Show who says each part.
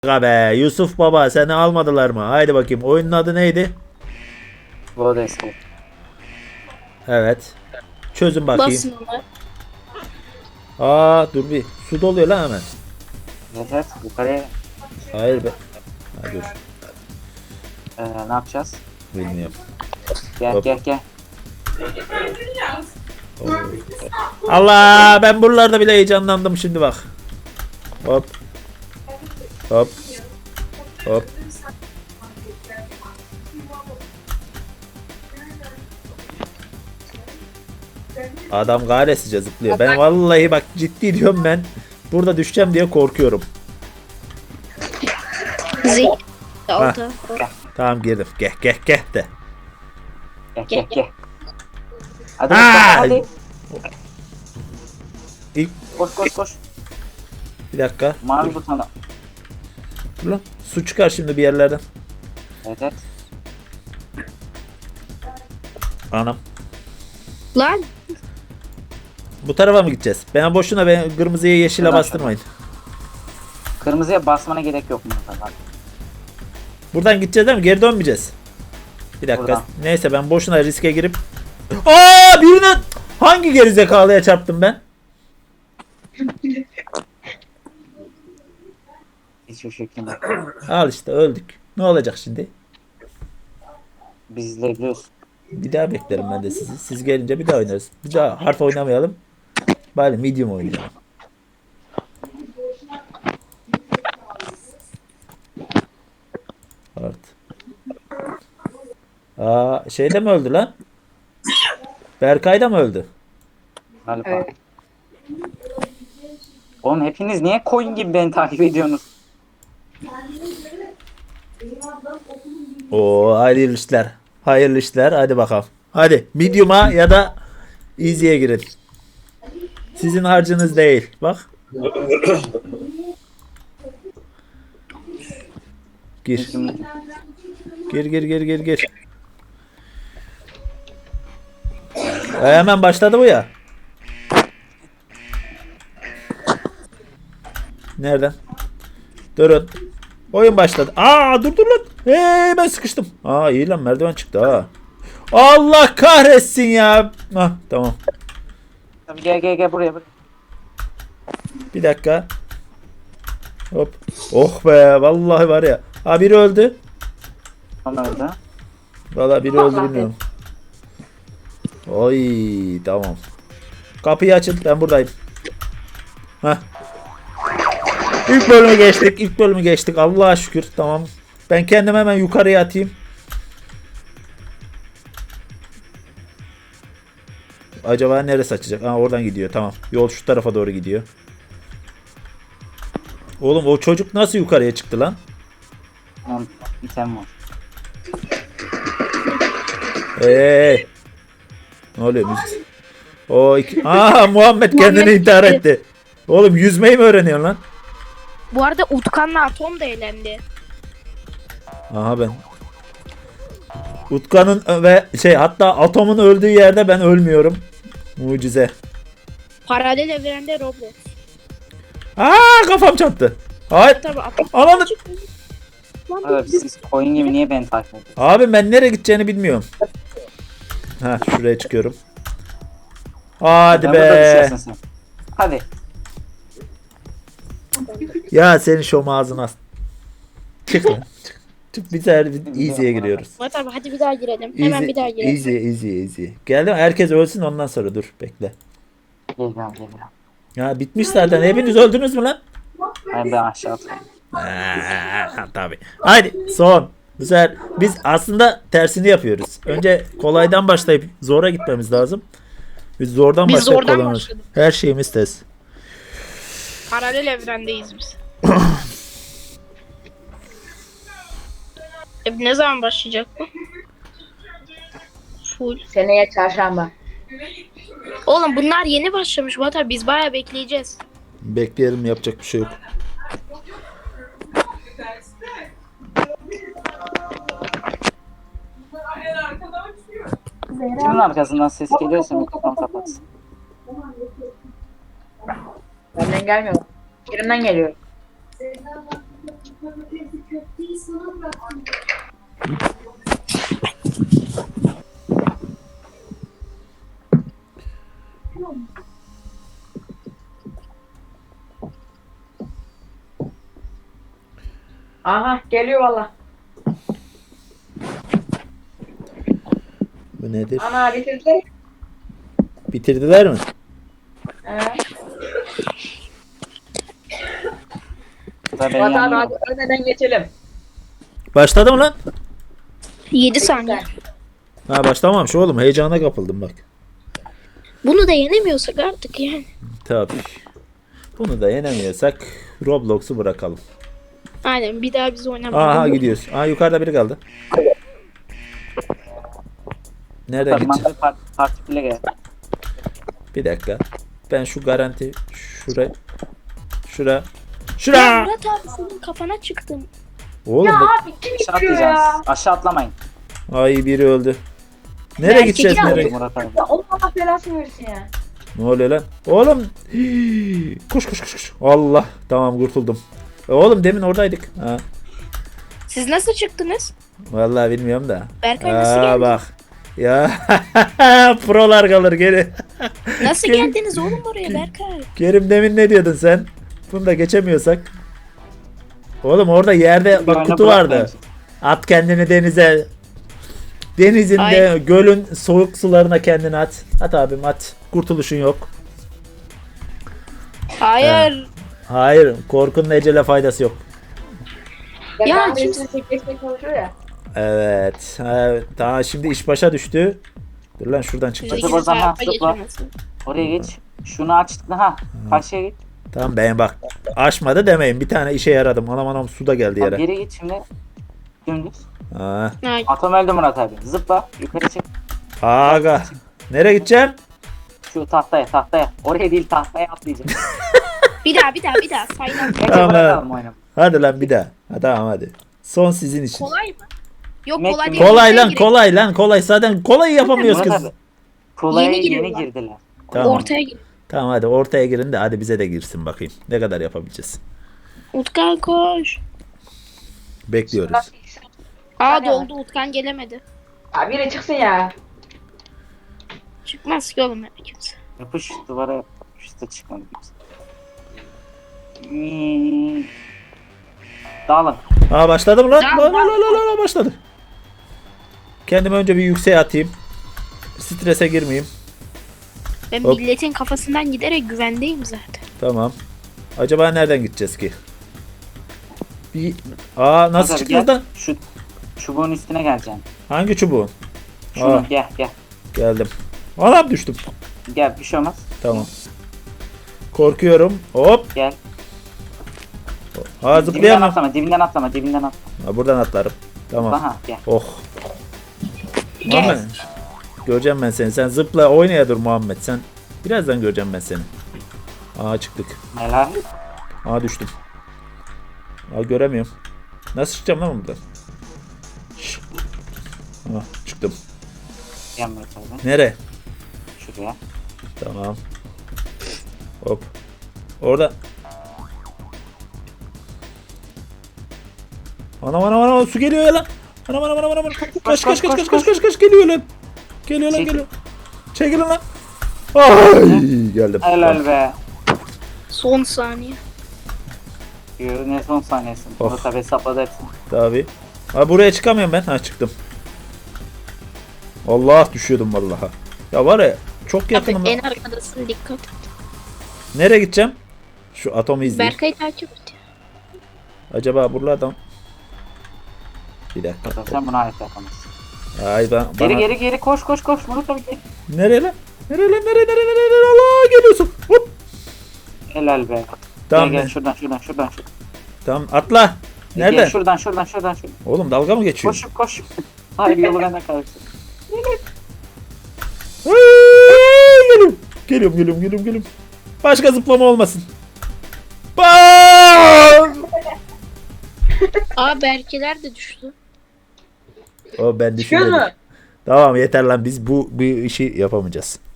Speaker 1: Aga be Yusuf baba seni almadılar mı? Haydi bakayım oyunun adı neydi?
Speaker 2: Blood Escape.
Speaker 1: Evet. Çözün bakayım.
Speaker 3: Basın ona.
Speaker 1: Dur bir su doluyor lan hemen.
Speaker 2: Evet, yukarıya
Speaker 1: Hayır be. Ha, dur.
Speaker 2: ne yapacağız?
Speaker 1: Bilmiyorum.
Speaker 2: Gel
Speaker 1: Hop.
Speaker 2: gel gel.
Speaker 1: Allah ben buralarda bile heyecanlandım şimdi bak. Hop. Hop. Hop. Adam gayresice zıplıyor. Ben vallahi bak ciddi diyorum ben. Burada düşeceğim diye korkuyorum.
Speaker 3: Zek. Alta.
Speaker 1: Tamam girdim. Geh geh geh de.
Speaker 2: Gel gel gel. Hadi
Speaker 1: Ha!
Speaker 2: hadi.
Speaker 1: İlk
Speaker 2: Koş koş koş.
Speaker 1: bir dakika.
Speaker 2: Mavi butona.
Speaker 1: Dur lan. Su çıkar şimdi bir yerlerden.
Speaker 2: Evet evet.
Speaker 1: Anam.
Speaker 3: Lan.
Speaker 1: Bu tarafa mı gideceğiz? Ben boşuna kırmızıya yeşile
Speaker 2: Şuradan
Speaker 1: bastırmayın.
Speaker 2: Kırmızıya basmana gerek yok mu? Hadi.
Speaker 1: Buradan gideceğiz değil mi? Geri dönmeyeceğiz. Bir dakika.
Speaker 2: Buradan.
Speaker 1: Neyse ben boşuna riske girip birine hangi gerizekalıya çarptım ben?
Speaker 2: Hiçbir fikrim yok.
Speaker 1: Al işte öldük. Ne olacak şimdi?
Speaker 2: Biz izleyebiliyoruz.
Speaker 1: Bir daha beklerim ben de sizi. Siz gelince bir daha oynarız. Bir daha harf oynamayalım. Bari medium oynayalım. Art. Şeyde mi öldü lan? Berkay da mı öldü?
Speaker 2: Galiba.
Speaker 3: Evet.
Speaker 2: Oğlum hepiniz niye koyun gibi beni takip ediyorsunuz?
Speaker 1: Hayırlı işler. Hayırlı işler. Hadi bakalım. Hadi medium'a ya da easy'ye girin. Sizin harcınız değil. Bak. Gir. Gir. Hemen başladı bu ya. Nereden? Durun. Oyun başladı. Dur lan. Ben sıkıştım. İyi lan merdiven çıktı ha. Allah kahretsin ya. Tamam.
Speaker 2: Tabii gel buraya.
Speaker 1: Bir dakika. Hop. Oh be vallahi var ya. Biri öldü.
Speaker 2: Onlar da.
Speaker 1: Vallahi biri öldü bilmiyorum. Oy tamam. Kapıyı açın ben buradayım. Heh. İlk bölümü geçtik. Allah'a şükür tamam. Ben kendimi hemen yukarıya atayım. Acaba neresi açacak? Oradan gidiyor tamam. Yol şu tarafa doğru gidiyor. Oğlum o çocuk nasıl yukarıya çıktı lan?
Speaker 2: Tamam. İtem var.
Speaker 1: Ne oluyor müzik? Muhammed kendini intihar etti. Oğlum yüzmeyi mi öğreniyorsun lan?
Speaker 3: Bu arada Utkan'la Atom da eğlendi.
Speaker 1: Ben. Utkan'ın ve hatta Atom'un öldüğü yerde ben ölmüyorum. Mucize.
Speaker 3: Paralel evrende Roblox.
Speaker 1: Kafam çarptı. Hayır.
Speaker 3: Tabii Atom.
Speaker 1: Ananı.
Speaker 2: Abi siz koyun gibi niye beni takip ediyorsunuz?
Speaker 1: Abi ben nereye gideceğini bilmiyorum. Şuraya çıkıyorum. Hadi
Speaker 2: Ben burada
Speaker 1: be.
Speaker 2: düşüyorsun sen. Hadi.
Speaker 1: Ya senin şom ağzına. Çık lan. Çık. Bir sefer easy'ye giriyoruz.
Speaker 3: Tabii hadi bir daha girelim. Hemen bir daha girelim.
Speaker 1: Easy. Geldim. Herkes ölsün ondan sonra dur. Bekle.
Speaker 2: Geliyorum.
Speaker 1: Bitmiş zaten. Hepiniz öldünüz mü lan?
Speaker 2: Ben aşağı atlayayım.
Speaker 1: Tabii. Haydi son. Bu sefer biz aslında tersini yapıyoruz. Önce kolaydan başlayıp zora gitmemiz lazım. Biz zordan
Speaker 3: Biz
Speaker 1: başlayıp
Speaker 3: zordan
Speaker 1: kolay.
Speaker 3: başladık.
Speaker 1: Her şeyimiz test.
Speaker 3: Paralel evrendeyiz biz. Ne zaman başlayacak bu? Full.
Speaker 4: Seneye çarşamba.
Speaker 3: Oğlum bunlar yeni başlamış Bata. Biz bayağı bekleyeceğiz.
Speaker 1: Bekleyelim yapacak bir şey yok.
Speaker 2: Kimin arkasından ses geliyorsa mikrofon kapatsın.
Speaker 4: Benden gelmiyor. Yerimden geliyor. Aha geliyor valla.
Speaker 1: Bu nedir?
Speaker 4: Ana bitirdiler.
Speaker 1: Bitirdiler mi?
Speaker 4: Evet.
Speaker 2: Burada ben
Speaker 4: Fuat abi
Speaker 2: yanıyorum.
Speaker 4: hadi önden geçelim.
Speaker 1: Başladı mı lan?
Speaker 3: 7 saniye.
Speaker 1: Ha başlamamış oğlum. Heyecana kapıldım bak.
Speaker 3: Bunu da yenemiyorsak artık yani.
Speaker 1: Tabii. Bunu da yenemiyorsak Roblox'u bırakalım.
Speaker 3: Aynen bir daha biz oynamayalım.
Speaker 1: Aha gidiyoruz. Aa yukarıda biri kaldı. Nereden gideceğim?
Speaker 2: Parmağında partiküle gel.
Speaker 1: Bir dakika. Ben şu garanti şura.
Speaker 3: Ya
Speaker 1: Şura.
Speaker 3: Murat abi senin kafana çıktım.
Speaker 1: Oğlum
Speaker 4: Ya
Speaker 1: bak.
Speaker 4: abi kim
Speaker 2: Aşağı
Speaker 4: gidiyor ya?
Speaker 2: atlayacaksınız. Aşağı atlamayın.
Speaker 1: Ay biri öldü. Nereye
Speaker 3: Belki
Speaker 1: gideceğiz
Speaker 3: biraz-
Speaker 1: nereye?
Speaker 2: Murat abi.
Speaker 4: Ya Allah belasını versin ya.
Speaker 1: Ne oluyor lan? Oğlum. Hii. Koş koş koş koş. Allah. Tamam kurtuldum. Oğlum demin oradaydık. Ha.
Speaker 3: Siz nasıl çıktınız?
Speaker 1: Vallahi bilmiyorum da.
Speaker 3: Berkay nasıl geldi?
Speaker 1: Bak. Ya prolar kalır geri.
Speaker 3: Nasıl
Speaker 1: Gel-
Speaker 3: geldiniz oğlum oraya Berkay?
Speaker 1: Kerim demin ne diyordun sen? Bunu da geçemiyorsak. Oğlum orada yerde bak
Speaker 2: Güvenle
Speaker 1: kutu vardı.
Speaker 2: bırakmayın.
Speaker 1: At kendini denize. Denizinde,
Speaker 3: Ay.
Speaker 1: gölün soğuk sularına kendini at. At abim at. Kurtuluşun yok.
Speaker 3: Hayır.
Speaker 1: Hayır, korkunun ecele faydası yok.
Speaker 4: Ya
Speaker 3: Ya
Speaker 4: daha
Speaker 3: kimse-
Speaker 4: kimse geçmeye çalışıyor ya.
Speaker 1: Evet. Daha şimdi iş başa düştü. Dur lan şuradan çıkacağız.
Speaker 2: Zıpla, zıpla,
Speaker 3: Hayatta
Speaker 2: zıpla.
Speaker 3: geçemezsin.
Speaker 2: Oraya geç. Şunu açtın ha. Karşıya git.
Speaker 1: Tamam ben bak. Aşmadı demeyin. Bir tane işe yaradım. Anam anam su da geldi
Speaker 2: Bak,
Speaker 1: yere.
Speaker 2: geri git şimdi. Dümdüz.
Speaker 1: Ha.
Speaker 3: Ay,
Speaker 2: Atom öldü Murat abi. Zıpla. Yukarı çık.
Speaker 1: Aga. Nereye gideceğim?
Speaker 2: Şu tahtaya. Oraya değil tahtaya atlayacağım.
Speaker 3: bir daha saydan.
Speaker 2: Neyse
Speaker 1: Tamam,
Speaker 2: bırakalım oyunu.
Speaker 1: Hadi lan bir daha. Ha, tamam hadi. Son sizin için.
Speaker 3: Kolay mı? Yok
Speaker 2: Met-
Speaker 3: kolay değil.
Speaker 1: Kolay
Speaker 3: Ortaya
Speaker 1: lan
Speaker 3: girin.
Speaker 1: kolay lan kolay. Zaten kolay yapamıyoruz
Speaker 2: Murat
Speaker 1: kız.
Speaker 2: abi. Kolaya
Speaker 3: Yeni
Speaker 2: yeni
Speaker 3: giriyorlar.
Speaker 2: girdiler.
Speaker 1: Tamam.
Speaker 3: Ortaya gir.
Speaker 1: Tamam hadi ortaya girin de hadi bize de girsin bakayım. Ne kadar yapabileceğiz.
Speaker 3: Utkan koş.
Speaker 1: Bekliyoruz.
Speaker 3: Aa doldu Utkan gelemedi.
Speaker 4: Ya biri çıksın ya.
Speaker 3: Çıkmaz ki oğlum kimse.
Speaker 2: Yapış duvara yapış da çıkmadı kimse. Hmm. Dağılın.
Speaker 1: Aa başladı mı lan?
Speaker 3: Tamam,
Speaker 1: La, başladı. Kendimi önce bir yükseğe atayım. Strese girmeyeyim.
Speaker 3: Ben
Speaker 1: Hop.
Speaker 3: milletin kafasından giderek güvendeyim zaten.
Speaker 1: Tamam. Acaba nereden gideceğiz ki? Nasıl
Speaker 2: Murat abi
Speaker 1: çıkacağız
Speaker 2: gel.
Speaker 1: lan?
Speaker 2: Şu çubuğun üstüne geleceksin.
Speaker 1: Hangi çubuğun?
Speaker 2: Şunu
Speaker 1: Aa.
Speaker 2: gel.
Speaker 1: Geldim. Anam düştüm.
Speaker 2: Gel bir şey olmaz.
Speaker 1: Tamam. Korkuyorum. Hop.
Speaker 2: Gel.
Speaker 1: Ha
Speaker 2: Dibinden
Speaker 1: zıplayamam.
Speaker 2: atlama, dibinden atlama.
Speaker 1: Ha, buradan atlarım. Tamam.
Speaker 2: Aha gel.
Speaker 1: Oh.
Speaker 3: Gel.
Speaker 1: Muhammed. Göreceğim ben seni. Sen zıpla oynaya dur Muhammed. Sen birazdan göreceğim ben seni. Aa çıktık.
Speaker 2: Helal.
Speaker 1: Aa düştüm. Aa göremiyorum. Nasıl çıkacağım lan buradan? Şşş. Aa, çıktım.
Speaker 2: Gel Murat abi.
Speaker 1: Nere?
Speaker 2: Şuraya.
Speaker 1: Tamam. Hop. Orada. Anam su geliyor ya lan. Anam. Kaç geliyor lan. Geliyor lan
Speaker 2: Çekil.
Speaker 1: geliyor. Çekilin lan. Ay geldim.
Speaker 2: Helal be.
Speaker 3: Son saniye.
Speaker 2: Yürü ne son saniyesi.
Speaker 1: Oh.
Speaker 2: Murat abi hesapladı hepsini.
Speaker 1: Tabii. Ha buraya çıkamıyorum ben. Ha çıktım. Allah düşüyordum vallahi. Ya var ya çok yakınım.
Speaker 3: En arkadasın dikkat et.
Speaker 1: Nereye gideceğim? Şu atomu izleyeyim.
Speaker 3: Berkay'ı takip et.
Speaker 1: Acaba buralardan. Bir dakika.
Speaker 2: Sen buna ait yapamazsın.
Speaker 1: Ay ben bana...
Speaker 2: Geri koş Murat abi gel.
Speaker 1: Nereye lan? Nereye? Allah geliyorsun. Hop.
Speaker 2: Helal be.
Speaker 1: Tamam.
Speaker 2: Gel şuradan.
Speaker 1: Tamam atla.
Speaker 2: Gel
Speaker 1: Nereden?
Speaker 2: şuradan.
Speaker 1: Oğlum dalga mı geçiyor?
Speaker 2: Koş. Hayır yolu benden karıştı.
Speaker 1: Ay, geliyorum. Başka zıplama olmasın. Bam!
Speaker 3: Aa Berkeler de düştü.
Speaker 1: O ben
Speaker 4: Çıkıyor mu?
Speaker 1: düşünmedim. Tamam yeter lan biz bu işi yapamayacağız.